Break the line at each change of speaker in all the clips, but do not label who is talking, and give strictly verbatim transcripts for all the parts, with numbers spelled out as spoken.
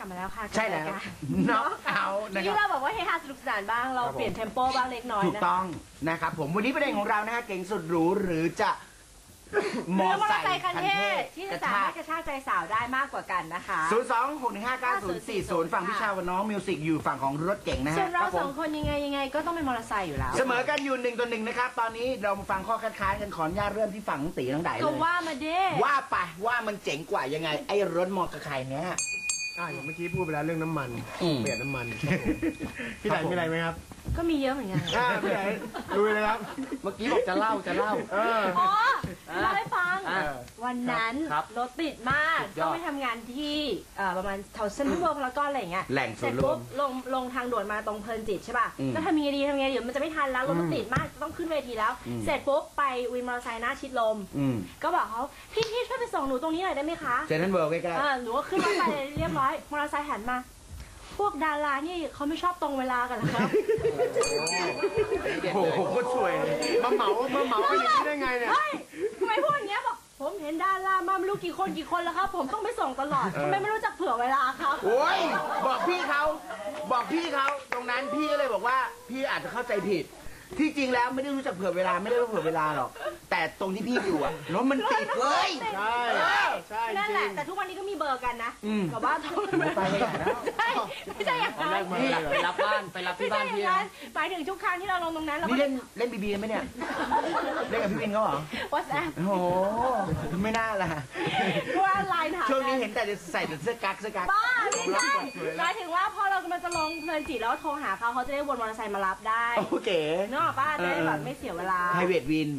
มาแล้วค่ะ
ใช่แล้วน็อกเอานะครับ
ที่เราบอกว่าเฮฮาสนุกสนานบ้างเราเปลี่ยนเทมโปบ้างเล็กน้อย
ถูกต้องนะครับผมวันนี้ประเด็นของเรานะฮะเก่งสุดหรูหรือจะ
มอเตอร์ไซค์คันเทศที่จะสามารถกระชากใจสาวได้มากกว่ากันนะคะ
ศูนย์สองหกหนึ่งห้าเก้าศูนย์สี่ศูนย์ฝั่งพี่ชาวกับน้องมิวสิกอยู่ฝั่งของรถเก่งนะฮะ
ส่วนเราสองคนยังไงยังไงก็ต้องเป็นมอเตอร์ไซค์อยู่แล้ว
เสมอกันอยู่หนึ่งต่อหนึ่งนะครับตอนนี้เรามาฟังข้อคัดค้านกันขออนุญาตเริ่มที่ฝั่งตีน้องไดเลย
ก็ว่ามาเด้
ว่าไปว่ามันเจ๋งกว่ายังไงไอ้รถมอเตอร์ไซค์เนี้ย
อ่าอย่างเมื่อกี้พูดไปแล้วเรื่องน้ำมันเปลี่ยนน้ำมันพี่ไดมีอะไรไหมครับ
ก็มีเยอะเหมือนกัน
อ่าพี่ไดดูเลยครับ
เมื่อกี้บอกจะเล่าจะเล่า
อ๋อเล่าให้ฟังวันนั้นรถติดมากต้องไปทำงานที่ประมาณแถวเซ็นทรัลเวิลด์พารากอนอะไรอย่างเงี้ย
แหล่งสุด
ปุ๊บลงลงทางด่วนมาตรงเพลินจิตใช่ป่ะแล้วทำยังไงดีทำยังไงเดี๋ยวมันจะไม่ทันแล้วรถมันติดมากต้องขึ้นเวทีแล้วเสร็จปุ๊บไปวินมอเตอร์ไซค์หน้าชิดลมก็บอกเขาพี่พี่ช่วยไปส่งหนูตรงนี้หน่อยได้ไหมคะ
เซ็นทรัลเวิลด์ใกล้
ๆหนูก็ขึ้นรถไปเรียบร้อยมอเตอร์ไซค์หันมาพวกดารานี่เขาไม่ชอบตรงเวลากันหรอครับ
โอ้โหก็สวยมาเหมามาเหมาไปอย่างนี้ได้ไงเนี่ย
ทำไมพูดอย่างเงี้ยบอกผมเห็นดารามาไม่รู้กี่คนกี่คนแล้วครับผมต้องไปส่งตลอดทำไมไม่รู้จักเผื่อเวลาครับ
โอ้ยบอกพี่เขาบอกพี่เขาตรงนั้นพี่ก็เลยบอกว่าพี่อาจจะเข้าใจผิดที่จริงแล้วไม่ได้รู้จักเผื่อเวลาไม่ได้รู้เผื่อเวลาหรอกแต่ตรงที่พี่อยู่อะรถมันติดเลย
ใช่ใช่
นั่นแหละแต่ทุกวันนี้ก็มีเบอร์กันนะกับว่า
ไปไม่ได้แล้ว
ไม่ใช่อย่างนั้น
ไปรับบ้านไปรับที่บ้านพี่
หมายถึงทุกครั้งที่เราลงตรงนั้นเรา
เล่นเล่นบีบีไหมเนี่ยเล่นกับพี่วินเขาเหรอ
วอทแอป
โอ้โหไม่น่าล่ะ
ว่าไลน์ถาม
ช่วงนี้เห็นแต่จะใส่เสื้อกั๊กเสื้อกั๊ก
บ้าไม่ใช่หมายถึงว่าพอเรากำลังจะลงเพลินจิตแล้วโทรหาเขาเขาจะได้วนมอเตอร์ไซค์มารับได้
โอเค
เนาะป้าจะได้แบบไม่เสียเวลา
private win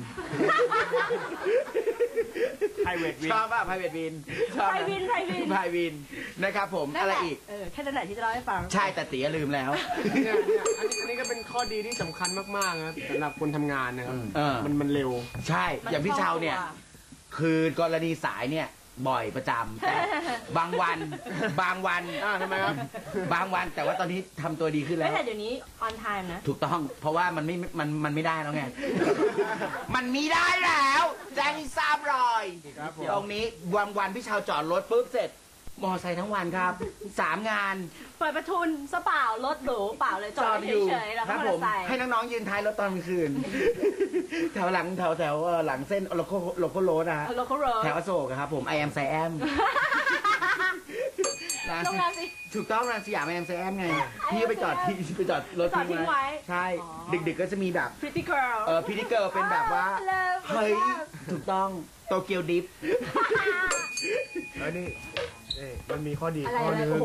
private win
ชอบป่ะ private win
ชอบ private win
private win นะครับผมอะไรอีก
เออแค่นั้นแหละที่จะเล่าให้ฟัง
ใช่แต่ตีลืมแล้ว
เนี่ยเนี่ยอันนี้ก็เป็นข้อดีที่สำคัญมากๆนะสำหรับคนทำงานนะครับมันมันเร็ว
ใช่อย่างพี่เชาเนี่ยคือกรณีสายเนี่ยบ่อยประจำแต่บางวันบางวัน
อ่าทำไมครับ
บางวันแต่ว่าตอนนี้ทำตัวดีขึ้นแล้ว
ไม่แต่เดี๋ยวนี้ on time นะ
ถูกต้องเพราะว่ามันไม่มันมันไม่ได้แล้วไงมันมีได้แล้วแจ้งให้ทราบเลยตรงนี้วันวันพี่ชาวจอดรถปุ๊บเสร็จมอไซค์ทั้งวันครับสามงาน
เปิดประทุนซะเปล่ารถหรูเปล่าเลยจอดเฉยๆแล้วก็มอเตอร์ไซค์
ให้น้องๆยืนท้ายรถตอนกลางคืนแถวหลังแถวแถวหลังเส้นโลโก้โลโก้โรดนะแถวอโศกครับผมไอแอมไซแอม
โรงแรมสิ
ถูกต้องนะสยามไอแอมไซแอมไงพี่ไปจอดที่ไปจอดรถทิ้งไว้ใช่ดึกๆก็จะมีแบบ
Pretty Girl
เออ Pretty Girl เป็นแบบว่าเฮ้ยถูกต้องโตเกียวดิฟ
แล้วนี่มันมีข้อดี
ข้อนึง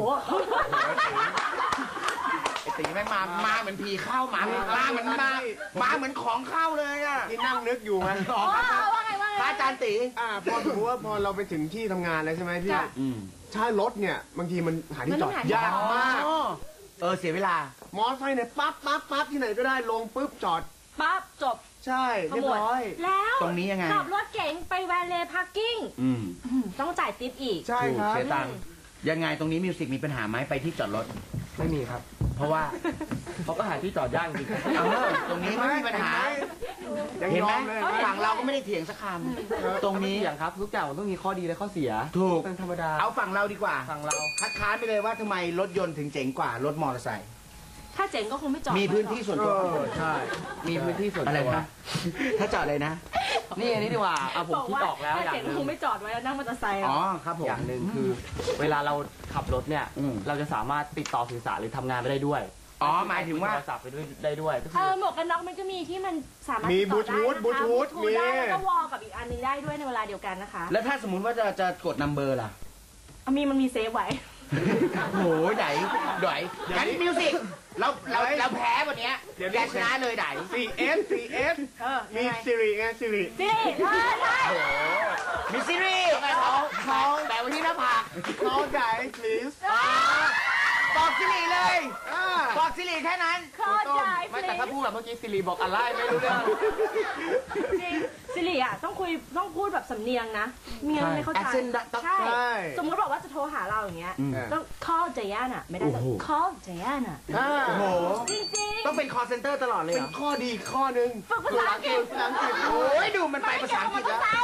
ไอตีแม่งมามาเหมือนผีเข้ามามาเหมือนมามาเหมือนของเข้าเลยอ่ะ
ที่นั่งนึกอยู่ไง
ว่าไงว่าไง
พระอาจารย์ตี
อ่าพอถือว่าพอเราไปถึงที่ทำงานแล้วใช่ไหมพี่ถ้ารถเนี่ยบางทีมันหาที่จอดยากมาก
เออเสียเวลาม
อไซค์เนี่ยปั๊บปั๊บปั๊บที่ไหนก็ได้ลงปุ๊บจอด
ปั๊บจบ
ใช่เรียบร้อย
แล้ว
ตรงนี้ยังไง
ขับรถเก๋งไปแวลเลย์พาร์กิ้งต้องจ่ายติ๊บอีก
ใช่ครับ
เสียตังค์ยังไงตรงนี้มิวสิกมีปัญหาไหมไปที่จอดรถ
ไม่มีครับ
เพราะว่า
เขาก็หาที่จอดยากจริง
ตรงนี้ไม่มีปัญหาเห็นไหมฝั่งเราก็ไม่ได้เถียงสักคำตรงนี้
อย่างครับทุกอย่างมันต้องมีข้อดีและข้อเสีย
ถูก
เป็นธรรมดา
เอาฝั่งเราดีกว่า
ฝั่งเรา
คัดค้านไปเลยว่าทำไมรถยนต์ถึงเจ๋งกว่ารถมอเตอร์ไซค์
ถ้าเจ๋งก็คงไม่จอด
มีพื้นที่ส่วนตัว
ใช่
มีพื้นที่ส่วนตัว
อะไรนะถ้าจอดเลยนะ
นี่อันนี้ดีกว่าเอาผมคิดออกแล้ว
อย่างนึงคงไม่จอดไว้แล้วนั่งมอเตอร์ไซค์
อ๋อครับผม
อย่างหนึ่งคือเวลาเราขับรถเนี่ยเราจะสามารถติดต่อสื่อสารหรือทำงานไปได้ด้วย
อ๋อหมายถึงว่า
โทรศัพท์ไปด้วยได้ด้วย
เออหมวกกันน็อกมันก็มีที่มันสามารถ
มีบลูทูธบลูทูธ
มีแล้วก็วอลกับอีกอันนึงได้ด้วยในเวลาเดียวกันนะคะ
แล้วถ้าสมมุติว่าจะจะกดนัมเบอร์ล่ะ
มีมันมีเซฟไว้
โหไหนไหนงั้นมิวสิกเราเราเราแพ้วันนี้แกชนะเลยไหน
ซี เอฟ ซี เอฟ มีซิริไงซิริ
ซิริใช่ใช่
มีซิริเขาเขาแต่วันที่หน้าผาก
เขาไหน please
บอกซิริเลยบอกซิริแค่นั้น
เข้าใจ
ไม่แต่ถ้าพูดแบบเมื่อกี้ซิริบอกอะไรไม่รู้เรื่อง
จริงซิริอ่ะต้องคุยต้องพูดแบบสำเนียงนะเมียไม่เข้าใจใช่สมมติบอกว่าจะโทรหาเราอย่างเงี้ยต้อง call เจย่าน่ะไม่ได้ต้อง call เจย่าน่ะ
โอ้โห
จริงๆ
ต้องเป็น call center ตลอดเลย
เป็นข้อดีข้อนึง
ฝึกภาษาอังกฤษ
โอ้ยดูมันไปภาษาอังกฤษแล้ว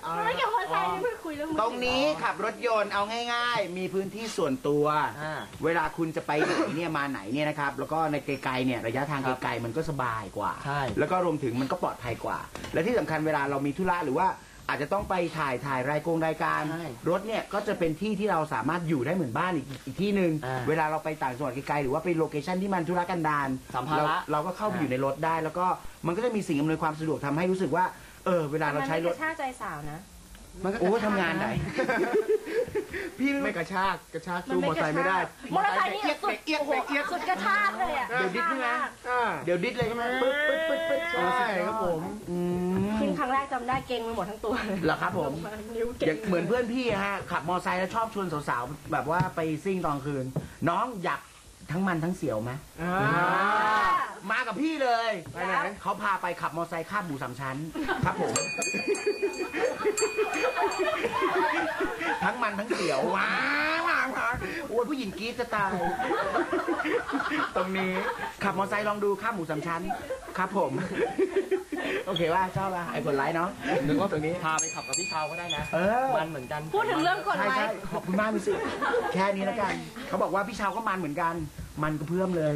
ไม่เกี่ยวกับมอเตอร์ไซค์นี่เพิ่งคุยเรื่องมือ
ตรงนี้ขับรถยนต์เอาง่ายๆ มีพื้นที่ส่วนตัว
อ่า
เวลาคุณจะไปไหนเนี่ยมาไหนเนี่ยนะครับ แล้วก็ในไกลๆเนี่ยระยะทางไกลๆมันก็สบายกว่า
ใช่
แล้วก็รวมถึงมันก็ปลอดภัยกว่า และที่สำคัญเวลาเรามีธุระหรือว่าอาจจะต้องไปถ่ายถ่ายรายกงรายการ
ใช่
รถเนี่ยก็จะเป็นที่ที่เราสามารถอยู่ได้เหมือนบ้านอีกอีกที่หนึ่ง
อ่า
เวลาเราไปต่างจังหวัดไกลๆหรือว่าไปโลเคชันที่มันธุรกันดาร
สัมภาระ
เราเราก็เข้าไปอยู่ในรถได้ แล้วก็มันก็จะมีสิ่งอำนวยความสะดวกทำให้รู้สึกว่าเออเวลาเราใช้รถ
มันไม่กระชากใจสาวนะ
มันก็
โอ้ทำงานไหน พี่
ไม่กระชากกระชากสู้มอเตอร์ไซค์ไม่ได้
มอเตอร์ไซค์นี่
เอียด
สุด
เอียดเอียดเอียด
สุดกระชากเลยอ่ะ
เดี๋ยวดิสใช่ไหม
อ่า
เดี๋ยวดิสเลยใช่ไหมปึ๊บปึ๊บปึ๊บปึ๊บ
ใช่ครับผม
อืม
ขึ้นครั้งแรกจำได้เก่งไปหมดทั้งตัวเลย
เหรอครับผม
นิ้ว
อ
เก่
ย่าง งเหมือนเพื่อนพี่อะฮะขับมอไซค์แล้วชอบชวนสาวๆแบบว่าไปซิ่งตอนคืน น้องอยากทั้งมันทั้งเสียวไหม
อ่า
มากับพี่เลย
ไปไหน
เขาพาไปขับมอไซค์ข้ามหมูสามชั้น ครับผม ทั้งมันทั้งเสียวว้าวว้าวว้าวโอ้ยผู้หญิงกรี๊ดจะตาย ตรงนี้ขับมอไซค์ลองดูข้ามหมูสามชั้น ครับผม โอเคว่าชอบป่ะไอ้กดไลค์เนาะ
นึกว่าตรงนี้
พาไปขับกับพี่เชาก็ได้นะ
เออ
มันเหมือนกัน
พูดถึงเรื่องกด
ใช่
ไล
ใช่
ค์
ขอบคุณมากมิสิแค่นี้แล้วกัน เขาบอกว่าพี่เชาวก็มันเหมือนกัน มันก็เพิ่มเลย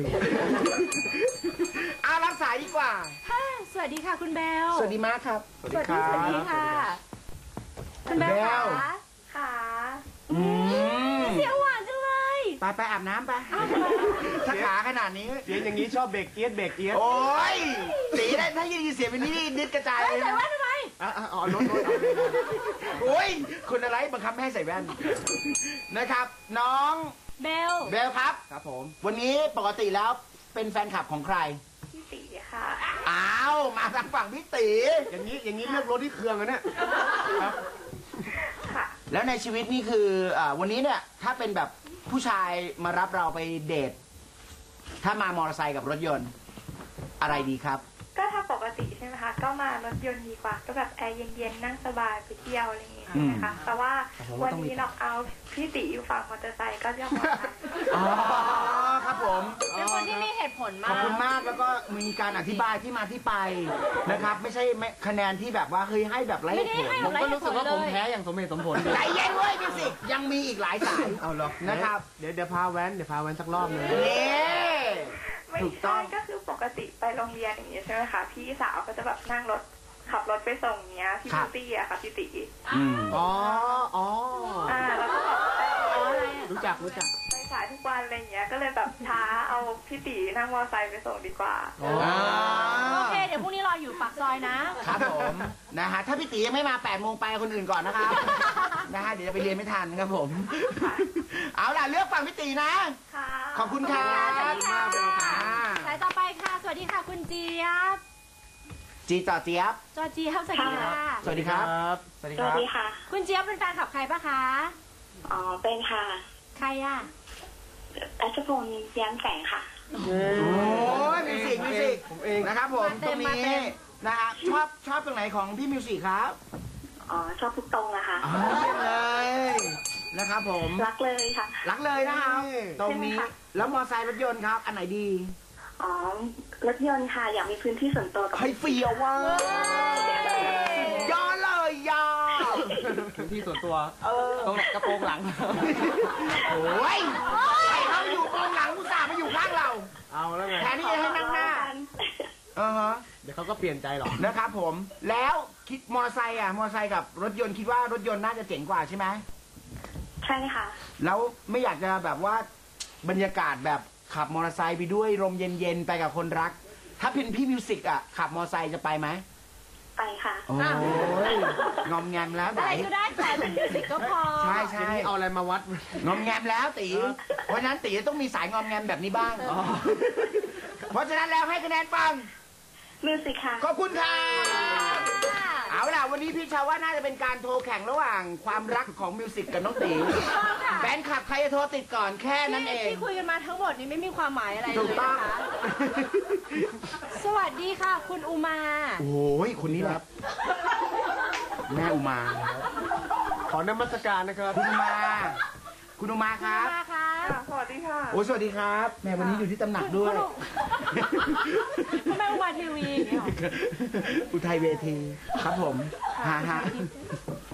เอารับสายดีกว่า
ค่ะสวัสดีค่ะคุณเบล
สวัสดีมากครับ
สวัสดีสวัสดีค่ะ คุณเบล
เบล
ค่ะค่ะ
อืม
เสียงหวานจังเลย
ไปไปอาบน้ำไปถ้าขาขนาดนี้
เสียงอย่างนี้ชอบเบรกเอียดเบรกเอียด
โอ้ยสีได้ถ้ายินเสียงเป็นนี้นี่นิดกระจาย
เฮ้ย
เลย
ใส่
นะ
แว่นทำไม
อ่ะอ่ะอ๋อโน้ตโน้ตเอา
โอ้ยคุณอะไรบังคับไม่ให้ใส่แว่น นะครับ น้อง
เบล
เบลครับ
ครับผม
วันนี้ปกติแล้วเป็นแฟนคลับของใคร
พี่ตีค่ะ
อ้าว มาทางฝั่งพี่ตี
อย่างนี้อย่างนี้เลือกรถที่เครื่องอะเนี่ยครับ
ค่ะ
แล้วในชีวิตนี่คืออาวันนี้เนี่ย ถ้าเป็นแบบผู้ชายมารับเราไปเดท ถ้ามามอเตอร์ไซค์กับรถยนต์ อะไรดีครับ
ก็ถ้าปกติใช่ไหมคะ ก็มารถยนต์ดีกว่า ก็แบบแอร์เย็นๆ นั่งสบายไปเที่ยวอะไรอย่างเงี้ย
อืม
นะคะ แต่ว่าวันนี้เราเอาพี่ตีอยู่ฝั่งมอเตอร์ไซค์ก็เรียกมอเตอร์ไซค์
อ๋อ ครับผม
เป็นคนที่มีเหตุผล
ข
มา
อบ
ก
คุณมากแล้วก็มีการอธิบายที่มาที่ไปนะครับ ไม่ใช่ไม่คะแนนที่แบบว่าเฮ้ยให้แบบไร้เหตุผล
ไม่ได้ให้
ผมก็รู้สึกว่าผมแพ้อย่างสมเหตุสมผล
ใจเย็นเว้ยมิวสิกยังมีอีกหลายสาย
เอาหรอ
นะครับ
เดี๋ยวเดี๋ยวพาแว้นเดี๋ยวพาแว้นสักรอบหนึง
นี่
ไม่
ถูกต้
ใช่
อง
ก็คือปกติไปโรงเรียนอย่างเงี้ยใช่ไหมคะ พี่สาวก็จะแบบนั่งรถขับรถไปส่งเนี้ยพี่
ครั
พิ
บ
ตตี้อะค่ะพี่ตี
อืม
อ๋ออ๋อ
อ่าแล้วก็แบบไป
รู้จักรู้จัก
ไปสายทุกวันอะไรอย่างเงี้ย ก็เลยแบบท้าเอาพี่ตีนั่งมอเตอร์ไซค์ไปส่งดีกว่า
อ๋อ
โอเค เดี๋ยวพรุ่งนี้รออยู่ปากซอยนะ
ครับผมนะฮะถ้าพี่ตียังไม่มาแปดโมงไปคนอื่นก่อนนะครับ นะฮะเดี๋ยวจะไปเรียนไม่ทันครับผม เอาล่ะเลือกฝั่งพี่ตีนะ
ค่ะ
ขอบคุณครับ
สวัสดีค่ะ
อ่า
สายต่อไปค่ะ สวัสดีค่ะ คุณเจี๊ยบ
จีต่อเจี๊ยบ
จอเจี๊ยบสวัสดีค่ะ
สวัสดีครับ
สวัสดี
ส
ค
วั
รั
ส
บ
ดีค่ะ
คุณเจี๊ยบเป็นแฟนขับใครปะคะ
อ๋อ เป็นค่ะ
ใครอ่ะ
รัชพลแย้มแสงค่ะ
โอ้ยมิวสิกมิวสิก
ผมเอง
นะครับผม
มาเต็
ตร
ม
ง
มา
นี้
เต็ม
นะฮะชอบชอบตรงไหนของพี่มิวสิกครับ
อ๋อ ชอบทุกตรงอะค่ะ
อ๋อเยี่ยมเลยนะครับผม
รักเลยค่ะ
รักเลยนะครับ
นี่
ตรงนี้
ใช่ไหมคะ
แล้วมอไซค์รถยนต์ครับ อันไหนดี
อ๋อ รถยนต์ค่ะ อยากมีพื้นที่ส่วนตัวกับ
ให้เฟียวว่าย่อเลยย่อ
พื้นที่ส่วนตัว
เออ
ตรงกระโปรงหลัง
โอ้ยให้เขาอยู่ตรงหลังอุตส่าห์มาอยู่ข้างเรา
เอาแล้วไง
แทนที่จะให้นั่งหน้าอ่าฮะ
เดี๋ยวเขาก็เปลี่ยนใจหรอก
นะครับผม แล้วคิดมอไซค์อ่ะ มอไซค์กับรถยนต์คิดว่ารถยนต์น่าจะเจ๋งกว่าใช่ไหม
ใช่ค่ะ
แล้วไม่อยากจะแบบว่าบรรยากาศแบบขับมอเตอร์ไซค์ไปด้วยลมเย็นๆไปกับคนรัก ถ้าเป็นพี่มิวสิกอ่ะขับมอเตอร์ไซค์จะไปไหม
ไปค่ะ
โอ้ยงอมแงมแล้วไหน
ได้ก็ได้แต่เป็นมิวสิกก็พอ
ใช่
ที
ใช่
นี้เอาอะไรมาวัด
งอมแงมแล้วตีเพราะฉะนั้นตีต้องมีสายงอมแงมแบบนี้บ้างเพราะฉะนั้นแล้วให้คะแนนฟัง
มิวสิกค่ะ
ขอบคุณค่ะเอาล่ะวันนี้พี่ชาวว่าน่าจะเป็นการโทรแข่งระหว่างความรักของมิวสิกกับน้องตีแฟนคลับใครจะโทรติดก่อนแค่นั้นเอง
ที่คุยกันมาทั้งหมดนี้ไม่มีความหมายอะไรเลย
ถูกต้อง
นะคะ สวัสดีค่ะ คุณอุมา
โอ้ยคนนี้แหละแม่อุมา
ขอนมัสการนะครับ
คุณอุมา คุณอุมาค
คุณ
รับ
อุมาค่ะ
สวัสดีค่ะ
โอ้สวัสดีครับแม่วันนี้อยู่ที่ตำหนักด้วย
คุณแม่อุมาทีวีอย่างเงี้ยเหรอ
อุทัยเวทีครับผมฮะฮะ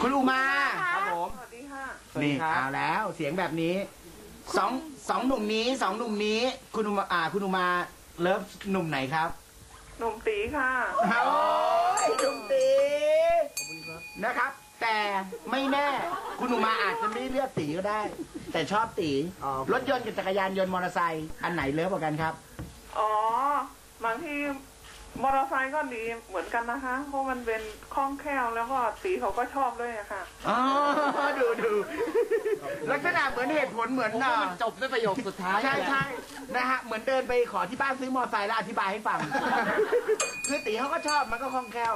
คุณอุมา
ครับผม
สวัสดีค่ะ
นี่เอาแล้วเสียงแบบนี้สองสองหนุ่มนี้สองหนุ่มนี้คุณอุมาอ่าคุณอุมาเลิฟหนุ่มไหนครับ
หนุ่มตีค่ะ
โอ้ยหนุ่มตีนะครับ แต่ไม่แน่คุณอุมาอาจจะไม่เลือกตีก็ได้ แต่ชอบตีรถยนต์กับจักรยานยนต์มอเตอร์ไซค์อันไหนเลิฟกว่ากันครับ
อ๋อบางทีมอเตอร์ไซค์ก็ดีเหมือนกันนะคะ เพราะมันเป็นคล่องแคล่วแล้วก็ตีเขาก็ชอบด้วยอะค่ะ
อ๋อดูดูลักษณะเหมือนเหตุผลเหมือนน่ะ
จบด้วยประโยคสุดท้าย
ใช่ใช่นะฮะเหมือนเดินไปขอที่บ้านซื้อมอเตอร์ไซค์แล้วอธิบายให้ฟัง คือตีเขาก็ชอบมันก็คล่องแคล่ว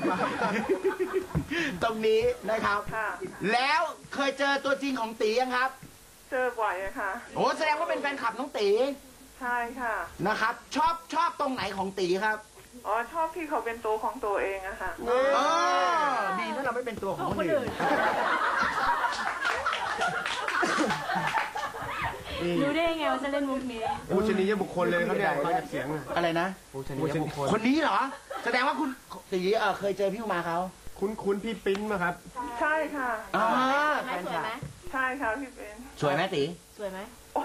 ตรงนี้นะครับ
ค่ะ
แล้วเคยเจอตัวจริงของตียังครับ
เจอบ่อยอะค่ะ
โอ้แสดงว่าเป็นแฟนคลับน้องตี
ใช่ค่ะ
นะครับ ชอบชอบตรงไหนของตีครับ
อ๋อชอบที่เขาเป็นตัวของตัวเองอะค่ะ
เออดีนะเราไม่เป็นตัวของคนอื่น
รู้ได้ไงว่าจะเล่นมุกนี้
ผู้ชนียบุคคลเลยครับเนี่ยฟังจากเสียงอะ
อะไรนะ
ผู้ชนิดบุคคล
คนนี้เหรอ แสดงว่าคุณตีเออเคยเจอพี่อุมาเขา
คุ้นคุ้นพี่ปิ้นมาครับ
ใช่ค่ะ
อ่า
ไหมสวยไหม
ใช่ค่ะพี่เป็น
สวยไหมตี
สวยไหม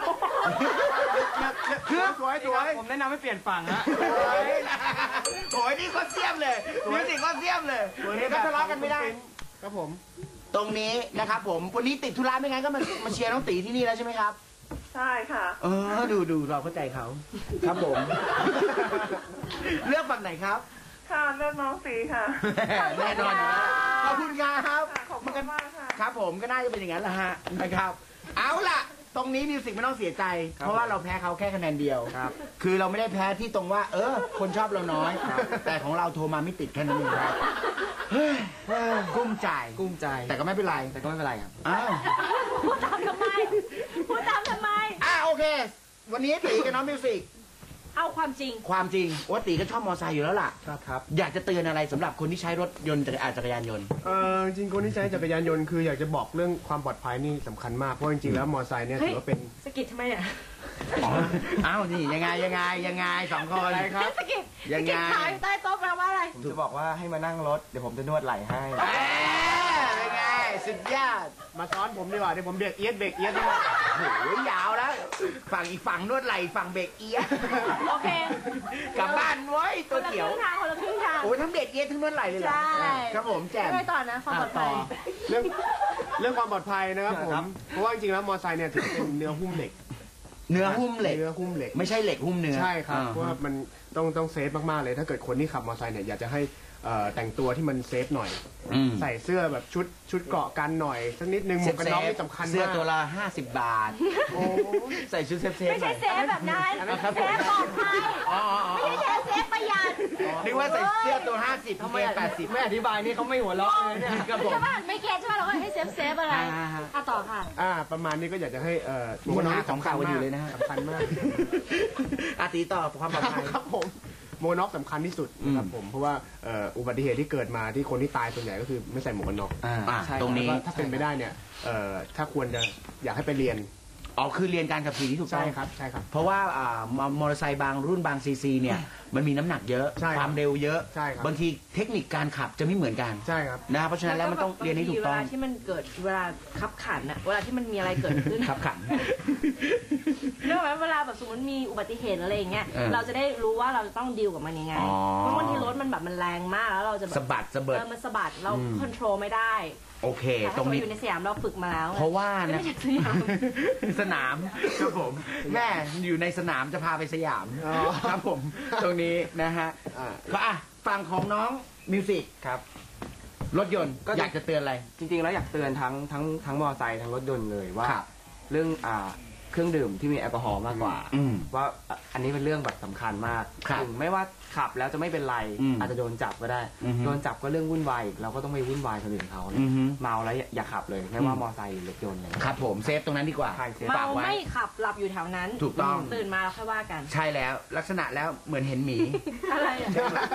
คือสวยสวย
ผมแนะนำให้เปลี่ยนฝั่งฮะ
โอ้ยนี่ก็เสียมเลยมิวสิกก็เสียมเลยเดี๋ยวก็ทะเลาะกันไม่ได้
ครับผม
ตรงนี้นะครับผมวันนี้ติดธุระไม่งั้นก็มามาเชียร์น้องตีที่นี่แล้วใช่ไหมครับ
ใช่ค่ะ
เออดูดูเราเข้าใจเขาครับผม เลือกฝั่งไหนครับ
ค่ะเลือกน้องตีค่ะ
แน่นอนอยู่แล้วขอบคุณครับ
ค่ะขอบคุณมากค่ะ
ครับผมก็น่าจะเป็นอย่างนั้นแหละฮะนะครับ เอาล่ะ ตรงนี้มิวสิกไม่ต้องเสียใจ เพราะว่าเราแพ้เขาแค่คะแนนเดียว
ครับ
คือเราไม่ได้แพ้ที่ตรงว่า เออ คนชอบเราน้อย แต่ของเราโทรมาไม่ติดแค่นั้นเองครับเฮ้ยกุ้มใจ
กุ้มใจ
แต่ก็ไม่เป็นไร
แต่ก็ไม่เป็นไรครับ
อ้าว
พูดตามทำไม พูดตามทำไม
อ่ะโอเค วันนี้ตีกับน้องมิวสิก
เอาความจริง
ความจริงว่าตีก็ชอบมอไซค์อยู่แล้วล่ะ
ครับครับ
อยากจะเตือนอะไรสำหรับคนที่ใช้รถยนต์จักรอ่าจักรยานยนต์
เออจริงๆคนที่ใช้จักรยานยนต์คืออยากจะบอกเรื่องความปลอดภัยนี่สำคัญมาก เพราะจริงๆแล้วมอเตอร์ไซค์เนี่ย
เฮ้ย
ถือว่าเป็น
สกิดทำไมเนี่ย
อ๋ออ้าวนี่ยังไงยังไงยังไงสองคน
อะไรครับ
สกิด
ยังไง
สกิดขายอยู่ใต้โต๊ะแปลว่าอะไร
ผมจะบอกว่าให้มานั่งรถ เดี๋ยวผมจะนวดไหล่ให้
เอ้ยเป็นไงสุดยอด
มาซ้อนผมดีกว่าเดี๋ยวผมเบรกเอียดเบรกเอียดนะ
โอ้โหยาวแล้ว ฝั่งอีกฝั่งนวดไหล่ฝั่งเบรกเอียด
โอเค
กลับบ้านเว้ย
ค
ตัวน
ละค
เขียว
รึ่งทางคนละครึ่งทาง
โอ้ยทั้งเบรกเอียดทั้งนวดไหล่เลยเหรอ
ใช่
ครับผมแจ่ม
ไม่ต่อนะความปลอดภัย
เรื่องเรื่องความปลอดภัยนะครับผม เพราะว่าจริงๆแล้วมอเตอร์ไซค์เนี่ยถือเป็นเนื้อหุ้มเหล็ก
เนื้อหุ้มเหล็ก
เนื้อหุ้มเหล็ก
ไม่ใช่เหล็กหุ้มเนื้อ
ใช่ครับ
อ่า
เพราะว่ามันต้องต้องเซฟมากๆเลย ถ้าเกิดคนที่ขับมอเตอร์ไซค์เนี่ยอยากจะให้เอ่อแต่งตัวที่มันเซฟหน่อย
อืม
ใส่เสื้อแบบชุดชุดเกราะกันหน่อยสักนิดนึงหมวกกันน็อกนี่สำคัญมาก
เสื้อตัวละห้าสิบบาท
โอ้
ใส่ชุดเซฟเซฟ
ไม่
หน่
ใช่
อย
เซฟแบบนั้น
ครับผม
เซฟปลอดภัย
อ๋ออ๋ออ๋อ
ไม่ใช่เซฟประหยัด
นึกว่าใส่เสื้อตัวห้าสิบ
ทำ
เก
ไม
งแปดสิบ
ไม่อธิบายนี่เขาไม่หัวเราะเลยเนี่ย
ครับผม
ใช่ป่ะไม่เก็ตใช่ป่ะเราก็ให้เซฟเซฟอะไร
อ่าฮะ
อ่ะต่อค่ะ
อ่าประมาณนี้ก็อยากจะให้เอ่อ
นี่มันหาของเก่ากันอยู่เลยนะฮะ
สำคัญมาก
อาตีต่อความปลอดภัย
ครับผมหมวกกันน็อกสำคัญที่สุดนะครับผมเพราะว่าเอ่ออุบัติเหตุที่เกิดมาที่คนที่ตายส่วนใหญ่ก็คือไม่ใส่หมวกกันน็อก
อ่า
ใช่
ตรงนี้
แล้วก็ถ้าเป็นไปได้เนี่ยเอ่อถ้าควรจะอยากให้ไปเรียน
อ๋อคือเรียนการขับขี่ที่ถูกต้
ใช่
อง
ครับใช่ครับ
เพราะว่าอ่ามอมอเตอร์ไซค์บางรุ่นบางซีซีเนี่ยมันมีน้ำหนักเยอะ
ใช่ครับ
ความเร็วเยอะ
ใช่ครับ
บางทีเทคนิคการขับจะไม่เหมือนกัน
ใช่ครับ
นะเพราะฉะนั้นแล้วมันต้องเรียนให้ถูกต้อง
เวลาที่มันเกิดเวลาขับขันอะเวลาที่มันมีอะไรเกิดขึ้น
ขับขัน
เรื่องไหมเวลาแบบสมมติมีอุบัติเหตุอะไรอย่างเงี้ย
เออ
เราจะได้รู้ว่าเราจะต้องดีลกับมันยังไง
อ๋อ
เพราะบางทีรถมันแบบมันแรงมากแล้วเราจะแบบ
สะบัดสะเบิด
เออมันสะบัดเราคอนโทรลไม่ได้
โอเค
แต่
ตร
ถ้าง เรา
นี้
อยู่ในสยามเราฝึกมาแล้ว
เพราะว่า
ไม่
นะ
ใช่สยาม
สนามครับผม แม่อยู่ในสนามจะพาไปสยาม
อ๋อ
ครับผม ตรงนี้นะฮะ
อ่า
ก็อ่ะฝั่งของน้องมิวสิก
ครับ
รถยนต์
ก็
อยากจะเตือนอะไร
จริงๆ แล้วอยากเตือนทั้งทั้งทั้งมอเตอร์ไซค์ทั้งรถยนต์เลยว่า
ครับ
เรื่องอ่าเครื่องดื่มที่มีแอลกอฮอล์มากกว่า
อืม
ว่าอ่ะอันนี้เป็นเรื่องแบบสำคัญมาก
ครับ
ถึงไม่ว่าขับแล้วจะไม่เป็นไร
อืม
อาจจะโดนจับก็ได้
อือฮึ
โดนจับก็เรื่องวุ่นวายอีกเราก็ต้องไปวุ่นวายคนอื่นเขาเนี่ย
อือฮึ
เมาแล้วอย่าอย่าขับเลยไม่ว่ามอเตอร์ไซค์หรือรถยนต์เลย
ครับผมเซฟตรงนั้นดีกว่า
ใช่เซฟ
เมา
ฝากไว้
ไม่ขับหลับอยู่แถวนั้น
ถูกต้อง
ตื่นมาแล้วค่อยว่ากัน
ใช่แล้วลักษณะแล้วเหมือนเห็นหมี
อะไรอ่ะ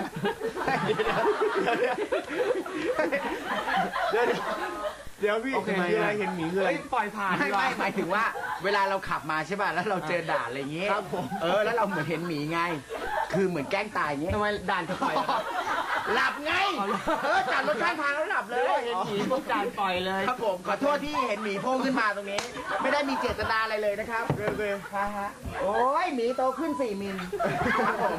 เดี๋ยวเดี๋ยวพี่
โอเค
คืออะไรเห็นหมีคืออะไร
เฮ้ยปล่อยผ่าน
ไม่
ดีกว่า
ไม่หมายถึงว่า เวลาเราขับมาใช่ป่ะแล้วเราเจอด่านอะไรอย่างเงี้ย
ครับผม
เออแล้วเราเหมือนเห็นหมีไง คือเหมือนแกล้งตายอย่างเงี้ย
ทำไมด่านจะปล่อยอะครับ
หลับไงเออจอดรถข้างทางแล้วหลับเลย
เห็นหมีพวกจานปล่อยเลย
ครับผมขอโทษที่เห็นหมีโผล่ขึ้นมาตรงนี้ ไม่ได้มีเจตนาอะไรเลยนะครับเรื่อยๆฮะฮะโอ้ยหมีโตขึ้นสี่มิลครับผม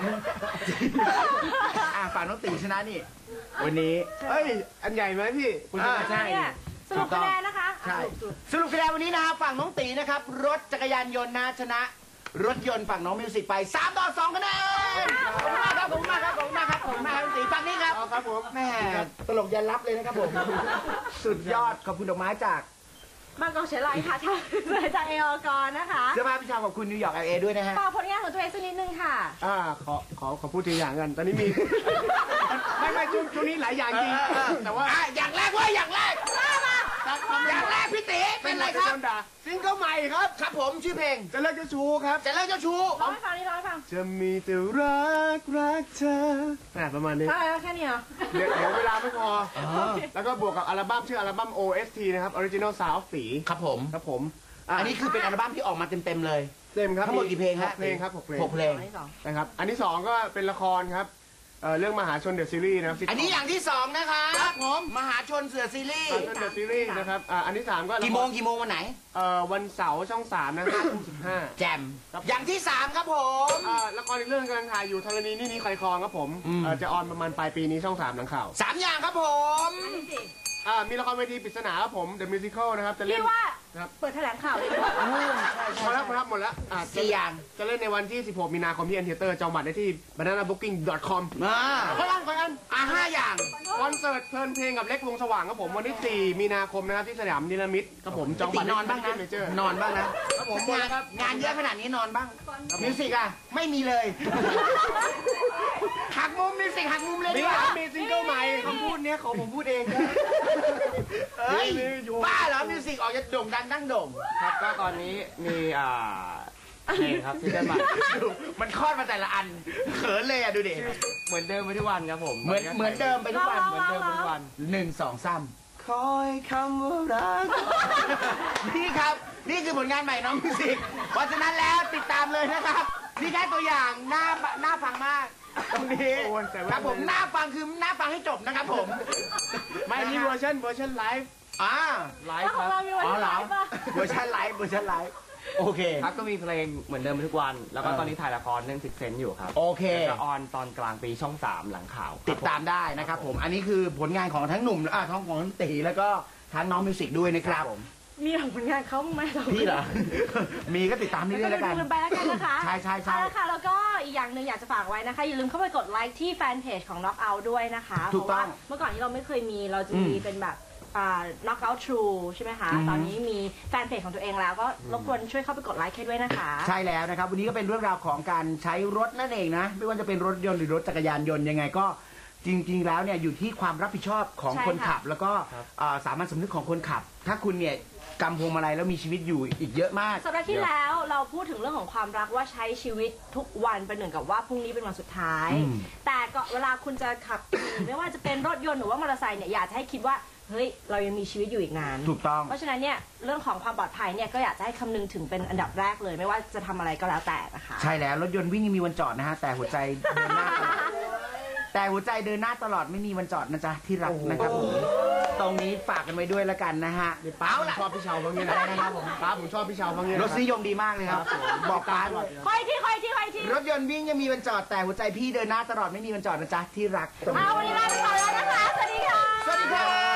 อ่ะฝั่งน้องตีชนะนี่วันนี้
เอ้ย อันใหญ่ไหมพี่คุณช
อ่า
นะ
ใช่
เนี่ยสรุปคะแนนนะคะ
ใช่
อ่ะสรุป
สรุปคะแนนวันนี้นะครับฝั่งน้องตีนะครับ รถจักรยานยนต์นะชนะ รถยนต์ฝั่งน้องมิวสิกไปสามต่อสองคะแนนขอบคุณมากครับขอบคุณมากครับขอบคุณมากครับขอบคุณมากครับน้องตีฝั่งนี้ครับ
เอาครับผม
แม่ตลกยันรับเลยนะครับผม สุดยอดขอบคุณดอกไม้จาก
บางกอกเฉลยค่ะจากจากเออกรนะคะ
เสื้อผ้าพี่ชาวขอบคุณนิวยอร์กแอลเอด้วยนะฮะ
ฝากผลงานของตัวเองสักนิดนึงค่ะ
อ่าขอขอขอพูดทีอย่างกัน ตอนนี้มี ไม่ไม่ช่วงช่วงนี้หลายอย่างจริง แต่ว่า
อ่ะอย่างแรกเว่าอย่างแรกอย่างแรกพี่ตีเป็นอะไรครับ
ด่าซิงเกิลใหม่ครับ
ครับผมชื่อเพลง
จะเลิกจะชูครับ
จะเลิกเจ้าชู้
ร้องให้ฟังนี่ร้องให้ฟัง
จะมีแต่รักรักเธออ่ะประมาณนี้
เท่าไหร่แล้วแค่นี้เหรอ
เดี๋ยวเดี๋ยวเวลาไม่พอ แล้วก็บวกกับอัลบั้มชื่ออัลบั้ม โอ เอส ที นะครับ Original Sound of ตี
ครับผม
ครับผม
อันนี้คือเป็นอัลบั้มที่ออกมาเต็มๆเลย
เต็มครับ
ทั้งหมดกี่เพลงฮะ
หกเพลงครับหกเพลง
หกเพลง
อันที่สอง
นะครับ อันที่สองก็เป็นละครครับเอ่อเรื่องมหาชนเดอะซีรีส์นะครับ
อันนี้อย่างที่สองนะคะครับผมมหาชนเสือซีรีส์
มหาชนเดอะซีรีส์นะครับอ่าอันที่สามก็ละคร
กี่โมงกี่โมงวันไหน
เอ่อวันเสาร์ช่องสามนะห้าทุ่มสิบห้า
แจมอย่างที่สามครับผม
อ่าละครอีกเรื่องกำลังถ่ายอยู่ธรณีนี่นี่ใครคลองครับผม
อืม
เอ่อจะออนประมาณปลายปีนี้ช่องสามหลังข่าว
สามอย่างครับผม
อันที่สี่
อ่ามีละครเวทีปริศนาครับผม The Musical นะครับจะเล่
พี่
น
ว่า
ครับ
เปิดแถลงข่าวเลยดีกว่า
พอแล้วพอแล้วหมดแล้วอ่า
สี่อย่าง
จะเล่นในวันที่ สิบหก มีนาคมที่ Theater จองบัตรได้ที่ banana booking dot com
มา
ขออันขออัน
อ่ะห้าอย่าง
คอนเสิร์ตเพลินเพลงกับเล็กวงสว่างครับผมวันที่ สี่ มีนาคมนะครับที่สยามนิรมิตครับผมจอง
ตี
บัตร
นอนบ้างนะ
เมเจอร์
นอนบ้างนะครับ
ผม
งานงานเยอะขนาดนี้นอนบ้างมิวสิกอ่ะไม่มีเลยหักมุมมิวสิกหักมุมเลย
มี
ดีกว่า
มีซิงเกิลใหม่
คำพูดเนี้ยของผมพูดเองครับ
เฮ้ย
มีอยู่
บ้าเหรอมิวสิกออกจะโด่งดังดังโด่ง
ครับก็ตอนนี้มีอ่าเพลงครับที่ได้มา
ดูมันคลอดมาแต่ละอันเขินเลยอ่ะดูดิ
เหมือนเดิมไปทุกวันครับผม
เหมือนเหมือนเดิมไปทุกวัน
เหมือนเดิมไปทุกวัน
หนึ่งสองสาม
คอยคำว่ารัก
นี่ครับนี่คือผลงานใหม่น้องมิวสิกเพราะฉะนั้นแล้วติดตามเลยนะครับนี่แค่ตัวอย่างหน้าหน้าฟังมากตรงนี้
โอ้ยแต่ว่า
ครับผมหน้าฟังคือหน้าฟังให้จบนะครับผม
ไม่อันนี้เวอร์ชันเวอร์ชันไลฟ์
อ่า
ไล
แล้
ฟ์
ว
ค
ของ
รับ
เรามีวัน
อ๋อ
ที่
เหร
ไหน
อ
ปะ
เวอร์ชันไลฟ์เวอร์ชันไลฟ์โอเค
ครับก็มีเพลงเหมือนเดิมไปทุกวัน แล้วก็
เออ
ตอนนี้ถ่ายละครเรื่องสิบเซนอยู่ครับ
โอเค
จะออนตอนกลางปีช่องสามหลังข่าว
ติดตามได้นะครับผมอันนี้คือผลงานของทั้งหนุ่มอ่าทั้งของทั้งตีแล้วก็ทั้งน้องมิวสิกด้วยนะครับ
มีของผลงานเขาบ้างไหมเรา
พี่เหรอ มีก็ติดตาม
แล้ว
เรื่
ก็
อยๆแล้วกัน
ดูกันไปแล้วกันนะคะ
ใช่ใช่ใช่
เอาละค่ะแล้วก็อีกอย่างหนึ่งอยากจะฝากไว้นะคะ อย่าลืมเข้าไปกดไลค์ที่แฟนเพจของ Knockout ด้วยนะคะ
ถูกต้อง
เพราะว่าเมื่อก่อนที่เราไม่เคยมีเราจะมี
อืม
เป็นแบบอ่า Knockout True ใช่ไหมคะ
อือฮึ
ตอนนี้มีแฟนเพจของตัวเองแล้วก็รบกวนช่วยเข้าไปกดไลค์ให้ด้วยนะคะ
ใช่แล้วนะครับ วันนี้ก็เป็นเรื่องราวของการใช้รถนั่นเองนะ ไม่ว่าจะเป็นรถยนต์หรือรถจักรยานยนต์ยังไงก็จริง ๆ แล้วเนี่ยอยู่ที่ความรับผิดชอบของ
ใช่
คนขับ
ค่ะ
แล้วก็อ่าสามัญสำนึกของคนขับ ถ้าคุณเนี่ยกำพวงมาลัยแล้วมีชีวิตอยู่อีกเยอะมาก
สัปดาห์ที่แล้วเราพูดถึงเรื่องของความรักว่าใช้ชีวิตทุกวันเป็นเหมือนกับว่าพรุ่งนี้เป็นวันสุดท้าย
อืม
แต่ก็เวลาคุณจะขับขี่ไม่ว่าจะเป็นรถยนต์หรือว่ามอเตอร์ไซค์เนี่ยอยากจะให้คิดว่าเฮ้ยเรายังมีชีวิตอยู่อีกนาน
ถูกต้อง
เพราะฉะนั้นเนี่ยเรื่องของความปลอดภัยเนี่ยก็อยากจะให้คำนึงถึงเป็นอันดับแรกเลย ไม่ว่าจะทำอะไรก็แล้วแต่นะคะ
ใช่แล้วรถยนต์วิ่งยังมีวันจอดนะฮะแต่หัวใจเดินหน้าตลอดแต่หัวใจเดินหน้าตลอดไม่มีวันจอดนะจ๊ะที่รักนะครับผมตรงนี้ฝากกันไว้ด้วยแล้วกันนะฮะ
ป้า
เอา
ผม
ล่ะ
ชอบพี่เชาวบางอย่างนะครับผมป้าผมชอบพี่เชาวบางอย่าง
รสนิยมดีมากเลยครับบอกป้าด้วย
คอยที่คอยที่คอยที่
รถยนต์วิ่งยังมีวันจอดแต่หัวใจพี่เดินหน้าตลอดไม่มีวันจอดนะจ๊ะที่รักตรง
เอา
นี้
วันนี้ลาไปก่อนแล้วนะคะ สวัสดีค่ะ
สวัสดีครับ